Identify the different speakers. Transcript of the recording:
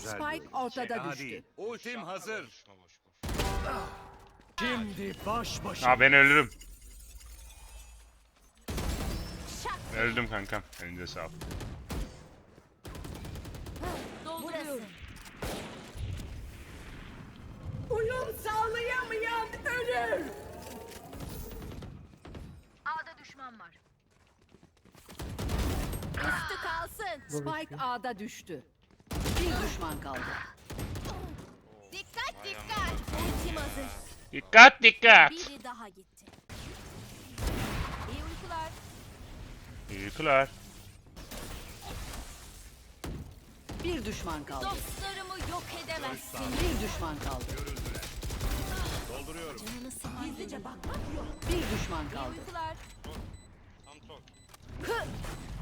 Speaker 1: Spike ortada düştü.
Speaker 2: Değil. Ultim hazır.
Speaker 3: Boşuna boş.
Speaker 4: Şimdi baş başa.
Speaker 5: Ha ben ölürüm. Öldüm kankam. Elinize sağlık.
Speaker 1: Dolduruyorum. Uyum sağlayamayan ölür.
Speaker 6: A'da düşman var. Üstü kalsın.
Speaker 1: Spike A'da düştü. Bir düşman kaldı.
Speaker 6: Dikkat dikkat. Ultim hazır.
Speaker 5: Dikkat dikkat.
Speaker 6: Biri daha gitti. İyi uykular.
Speaker 5: İyi uykular.
Speaker 1: Bir düşman kaldı.
Speaker 6: Dostlarımı yok edemezsin.
Speaker 1: Bir düşman kaldı.
Speaker 2: Dolduruyorum.
Speaker 6: Canını sıkma.
Speaker 1: Gizlice bakmak yok. Bir düşman
Speaker 6: İyi
Speaker 1: kaldı.
Speaker 6: uykular.
Speaker 3: Tam troll.